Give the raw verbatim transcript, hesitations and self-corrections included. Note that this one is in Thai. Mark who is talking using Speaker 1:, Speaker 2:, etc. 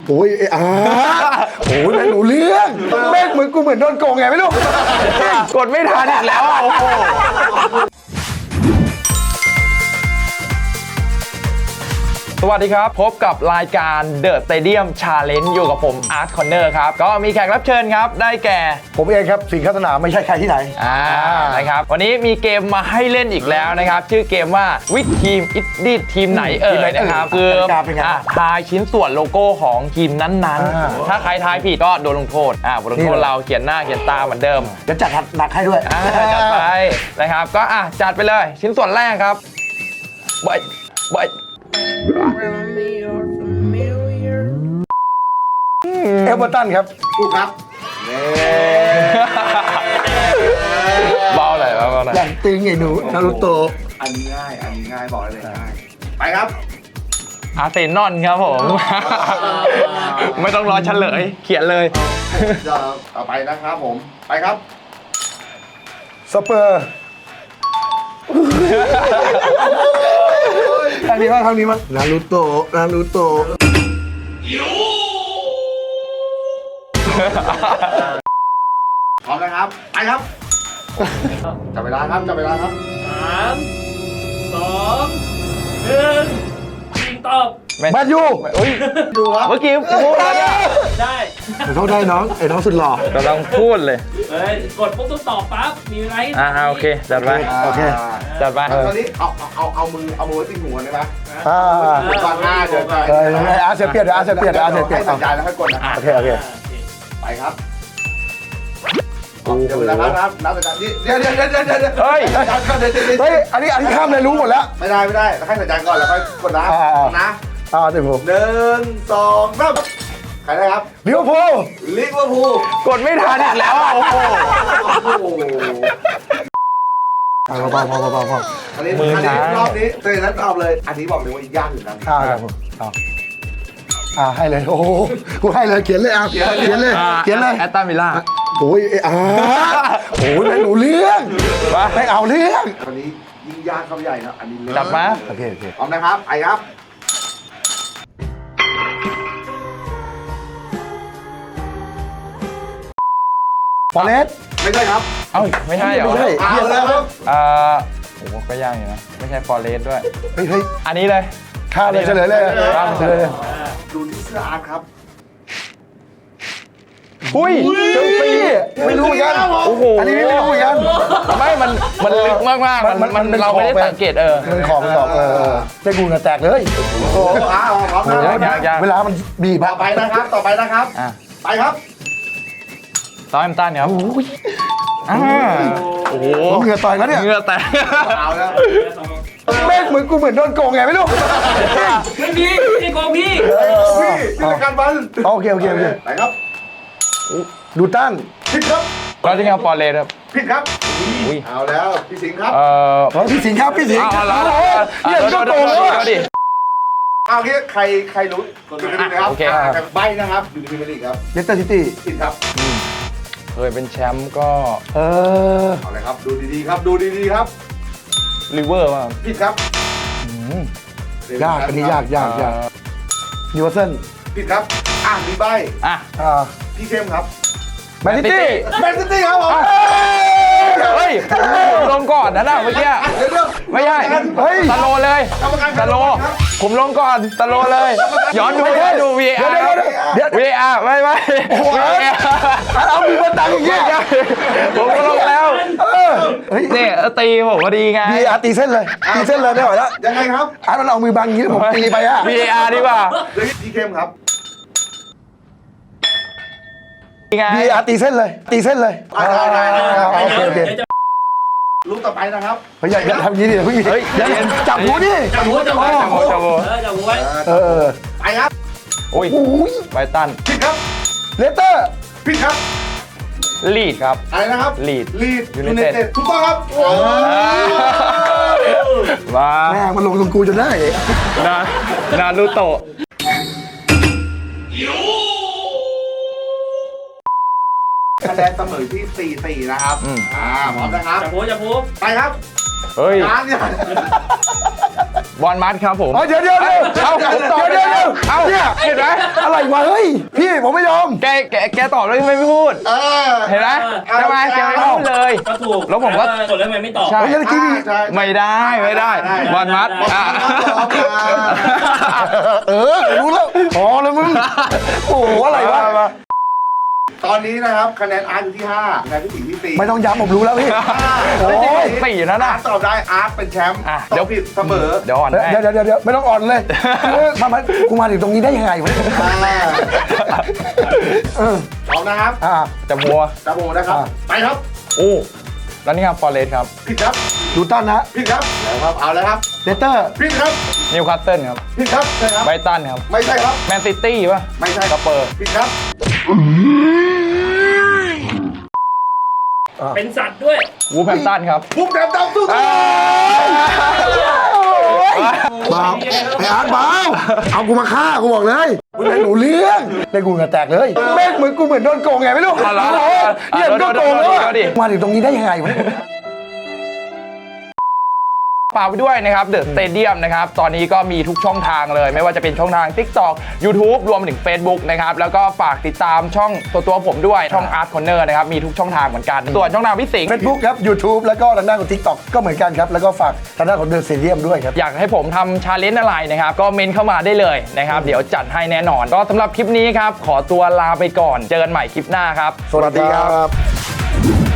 Speaker 1: โอ้ยไอ้อาโอ้ยไม่รู้เรื่องแม่งเหมือนกูเหมือนโดนโกงไงไม่รู้กดไม่ทันอีกแล้วอ่ะโอ้โหสวัสดีครับพบกับรายการ The Stadium Challenge อยู่กับผม Art Corner ครับก็มีแขกรับเชิญครับได้แก่ผมเองครับสิงห์คัสนาไม่ใช่ใครที่ไหนอ่านะครับวันนี้มีเกมมาให้เล่นอีกแล้วนะครับชื่อเกมว่าวิทีมอิดดี้ทีมไหนเอ่ยนะครับคือทายชิ้นส่วนโลโก้ของทีมนั้นๆถ้าใครทายผิดก็โดนลงโทษอ่าบทลงโทษเราเขียนหน้าเขียนตาเหมือนเดิมจะจัดหนักให้ด้วยจัดไปนะครับก็อ่ะจัดไปเลยชิ้นส่วนแรกครับบอยบอยเอเวอร์ตันครับถูกครับเบาหน่อยเบาหน่อยอย่างตึงไอ้หนูนารูโตะ
Speaker 2: อันนี้ง่ายอันนี้ง่ายบอกเลยง่ายไปครับ
Speaker 3: อาร์เซนอลครับผมไม่ต้องรอเฉลยเขียนเลย
Speaker 2: จะเอาไปนะครับผมไปครับ
Speaker 1: สเปอร์ทางนี้มั้งทางนี้มั้งนารูโตะนารูโตะ
Speaker 2: พร้อมนะครับไปครับจับเวลาครับจับเวลาครับ
Speaker 4: สามสองหนึ่งยิงตอบ
Speaker 1: แมนยู
Speaker 3: อุ้ย
Speaker 2: ดูครับ
Speaker 3: เมื่อกี้พูดแล้วเนี่ย
Speaker 4: ได้
Speaker 1: ขอโทษได้น้องไอ้น้องสุดหล่อก
Speaker 3: ำลังพูดเลย
Speaker 4: เฮ้ยกดปุ๊บต้องตอบปั๊บมีอะไร
Speaker 3: อ่าโอเคจัดไป
Speaker 1: โอเค
Speaker 3: จัดไป
Speaker 2: ตอนนี้เอาเอาเอามือเอามือไว้ที่หัวได้ไหม
Speaker 1: อ่า
Speaker 2: ก่อนหน้าเดี๋ยว
Speaker 1: เอออาเซียเปียดอาเซียเปียดอาเซียเปียด
Speaker 2: ให้สัญญาณแล้วค่อยกดนะ
Speaker 1: โอเคโอเค
Speaker 2: ไปครับเดี๋ยวนะครับนับนับสัญญาณนี้เดี๋ยวเดี๋ยวเดี๋ยวเดี๋ยวเดี๋ยว
Speaker 3: เฮ้ย
Speaker 1: เฮ้ยอันนี้อันนี้ข้ามเลยรู้หมดแล้ว
Speaker 2: ไม่ได้ไม่ได้ให้สัญญาณก่อนแล้วค่อยกดนะนะ
Speaker 1: อ่าเดี๋ยวผม
Speaker 2: หนึ่งสองสามใครได้ครับ
Speaker 1: ลิเวอร์พูล
Speaker 2: ลิเวอร์พูล
Speaker 3: กดไม่ทันอีกแล้วอ่ะโอ้โห
Speaker 1: เบาเบาเบาเบาเบา
Speaker 2: อันนี้อันนี้รอบนี้เตยนั้นตอบเลยอันนี้บอกเลยว่ายากอยู่นะ
Speaker 1: อ่าครับผมอ่าให้เลยโอ้โหกูให้เลยเขียนเลยอ่ะเขียนเขียนเลยเขียนเลย
Speaker 3: แอตตันวิลล่า
Speaker 1: โอ้ยอ่าโอ้ยไม่รู้เรื่องไม่เอาเรื่อง
Speaker 2: อันนี้ยิ่งยากเข้าใหญ่นะอันนี้
Speaker 3: จับมา
Speaker 1: โอเคโอเค
Speaker 2: พร้อมนะครับไอ้ครับ
Speaker 1: ฟอเรส
Speaker 2: ไม่ใช่ครับ
Speaker 3: เอ้าไม่ใช่เหรอ
Speaker 1: ไม่ใช่
Speaker 2: เขียนแล้วครับ
Speaker 3: อ่าโอ้โหก็ยากอยู่นะไม่ใช่ฟอเรสด้วย
Speaker 1: เฮ้ยเฮ้ย
Speaker 3: อันนี้เลย
Speaker 1: ข้ามเลยเฉลยเลยข้ามเฉลยเลย
Speaker 2: ดูที่เสื้ออาร์ตครับ
Speaker 3: อุ้ย
Speaker 1: เชลซีไม่รู้เหมือนกัน
Speaker 3: โอ้โห
Speaker 1: อันนี้ไม่รู้เหมือนกัน
Speaker 3: ไม่มันมันลึกมากมากมันมันเราไม่ได้สังเกตเออ
Speaker 1: มันของมันตอบเออเจ้ากูน่ะแตกเลย
Speaker 2: โอ้อาร์พร้อมนะ
Speaker 1: เวลามันบีบ
Speaker 2: ต่อไปนะครับต่อไปนะครับไปครับ
Speaker 3: ซอมตันครับอ่าโอ้โห
Speaker 1: เหงื่อต่อยแล้วเนี่ย
Speaker 3: เหงื่อแตก
Speaker 2: เอาแล้ว
Speaker 1: แม่งเหมือนกูเหมือนโดนโกงไงไม่รู้
Speaker 4: ไม่มีไม่โกงพี่
Speaker 2: พี่พี่การบัน
Speaker 1: โอเคโอเคโอเค
Speaker 2: ไปครับ
Speaker 1: ดูตั้น
Speaker 2: ผิดครับ
Speaker 3: เราที่เอาฟอเรสครับ
Speaker 2: ผิดครับเอาแล้วพี่สิงห์ครับ
Speaker 3: เออ
Speaker 1: พี่สิงห์ครับพี่สิงห์
Speaker 3: เอาแล้ว
Speaker 1: เนี่ยก็โกงแล้วอ่ะ
Speaker 2: เอางี้ใครใครรู้จุดนี้นะครับใบนะครับอยู่ในพรีเมียร์ลีกครับ
Speaker 1: เลสเตอร์ซิตี้
Speaker 2: ผิดครับ
Speaker 3: เคยเป็นแชมป์ก็
Speaker 1: เออ
Speaker 2: เอาเลยครับดูดีๆครับดูดีๆครับ
Speaker 3: ลิเวอร์ป่ะ
Speaker 2: ผิดครับ
Speaker 1: ยากอันนี้ยากยากยากนิวคาสเซิล
Speaker 2: ผิดครับอ่ะมีใบ
Speaker 3: อ่ะ
Speaker 2: พี่เข้มครับ
Speaker 1: แมนซิตี้
Speaker 2: แมนซิตี้ครับผม
Speaker 3: เฮ้ยลงก่อนนะน่ะเมื่อกี้ไม่ใช่ตะโลเลยตะโลผมลงก่อนตะโลเลยย้อนดูย้อนดู วี เอ อาร์ วี เอ อาร์ ไม่ไม่
Speaker 1: เอามีมาตังอย่างเงี้ย
Speaker 3: ผมลงแล้วเนี่ยตีผมพอดีไง
Speaker 1: วี เอ อาร์ ตีเส้นเลยตีเส้นเลยได้หรอแล้ว
Speaker 2: ยังไงครับ
Speaker 1: อ่ะมันเอามือบังอย่างนี้ผมตีไปอ่ะ
Speaker 3: วี เอ อาร์ ดีกว่า
Speaker 2: พี่เข้มครับ
Speaker 1: วี เอ อาร์ ตีเส้นเลยตีเส้นเลย
Speaker 2: ได้ได้
Speaker 1: โอเคโอเค
Speaker 2: ลูกต่อไปนะครับ
Speaker 1: เฮ้ยอย่าทำอย่างนี้ดิเพิ่งเฮ้ยจับหูดิ
Speaker 4: จับหูจับหูจับหูจับหูจับหูไว้
Speaker 1: เออ
Speaker 2: ไปครับ
Speaker 3: โอ้ยไบตัน
Speaker 2: ผิดครับ
Speaker 1: เลสเตอร์
Speaker 2: ผิดครับ
Speaker 3: ลีดครับ
Speaker 2: อะไรนะครับ
Speaker 3: ลีด
Speaker 2: ลีดยูไนเต็ดถูกต้องครับ
Speaker 3: มา
Speaker 1: แม่มันลงตรงกูจนได้
Speaker 3: นานารูโตะ
Speaker 2: คะแนนเสมอที่ สี่สี่ นะครับอ่าพร้อมนะครับ
Speaker 4: จับหูจับหู
Speaker 2: ไปครับ
Speaker 3: เฮ้ย
Speaker 2: ร้านเนี่ย
Speaker 3: บอลมัดครับผม
Speaker 1: เดี๋ยวเดี๋ยวเดี๋ยว
Speaker 3: เอาผมตอบเดี๋ยวเดี๋ยวเอาเนี่ยเห็นไหม
Speaker 1: อะไรวะเฮ้ย
Speaker 3: แกแกตอบแล้วยังไม่พูด
Speaker 2: เออ
Speaker 3: เห็นไหมใช่ไหมแกไม่พูดเลย
Speaker 4: ก็ถูก
Speaker 3: แล้วผมก็
Speaker 4: กดแล้วทำไมไม่ตอบ
Speaker 3: ใช่
Speaker 2: เฮ้ยเมื่อกี้มี
Speaker 3: ไม่ได้ไม่ได้บอลมัดอ่ะ
Speaker 2: เออรู้แล้วพอแล้วมึงโอ้โหอะไรวะตอนนี้นะครับคะแนนอาร์ตอยู่ที่ห้าคะแนนพี่สิงห์ที่สี่
Speaker 5: ไม่ต้องย้ำผมรู้แล้วพี่
Speaker 3: โอ้ยสี่นะ
Speaker 2: อา
Speaker 3: นะ
Speaker 2: ร์ตตอบได้อาร์ตเป็นแชมป์
Speaker 3: อ่ะ
Speaker 2: ตอบผิดเสมอ
Speaker 3: เดี๋ยวอ่อนให้
Speaker 5: เดี๋ยวเดี๋ยวเดี๋ยวเดี๋ยวไม่ต้องอ่อนเลยเออมามากูมาถึงตรงนี้ได้ยังไงวะ
Speaker 2: อ่า
Speaker 5: เออ
Speaker 2: พร้อมนะครับ
Speaker 5: อ่า
Speaker 3: จะมัว
Speaker 2: จับโมนะครับ
Speaker 5: อ่ะ
Speaker 2: ไปครับ
Speaker 3: โอ้แล้วนี่ครับฟอร์เรสครับ
Speaker 2: ผิดครับ
Speaker 5: ดูตันนะ
Speaker 2: ผิดครับแล้วครับเอาแล้วครับ
Speaker 5: เลเตอร์
Speaker 2: ผิดครับ
Speaker 3: นิวคาสเซิลครับ
Speaker 2: ผิดครับใช่ครับ
Speaker 3: ไบรตันครับ
Speaker 2: ไม่ใช่ครับ
Speaker 3: แมนซิตี้ป่ะ
Speaker 2: ไม่ใช่
Speaker 3: สเปอร์
Speaker 2: ผิดครับ
Speaker 4: เป็นสัตว์ด้วย
Speaker 3: วูแพมตันครับ
Speaker 2: ปุ๊บแถมดำสู้ๆ
Speaker 5: เบาไอ้อาร์ตเบาเอากูมาฆ่ากูบอกเลยกูไม่รู้เรื่องเล่นกูเหงื่อแตกเลยแม่งเหมือนกูเหมือนโดนโกงไงไม่รู้
Speaker 3: เอาละ
Speaker 5: เนี่ยมันก็โกงแล้วอะ
Speaker 3: เอาดิ
Speaker 5: มาถึงตรงนี้ได้ยังไงวะ
Speaker 3: ฝากไปด้วยนะครับเดอะสเตเดียมนะครับตอนนี้ก็มีทุกช่องทางเลย ไม่ว่าจะเป็นช่องทาง TikTok YouTube รวมไปถึง Facebook นะครับแล้วก็ฝากติดตามช่องตัวตัวผมด้วยช่อง Art Corner นะครับมีทุกช่องทางเหมือนกัน ส่วนช่องทางพี่สิงห์
Speaker 5: เฟซบุ๊กครับ YouTube แล้วก็ทางด้านของ TikTok ก็เหมือนกันครับ แล้วก็ฝากทางด้านของเดอะซีเรียมด้วยครับ
Speaker 3: อยากให้ผมทำชาเลนจ์อะไรนะครับก็เมนเข้ามาได้เลยนะครับเดี๋ยวจัดให้แน่นอน ก็สำหรับคลิปนี้ครับขอตัวลาไปก่อนเจอกันใหม่คลิปหน้าครับ
Speaker 5: สวัสดีครับ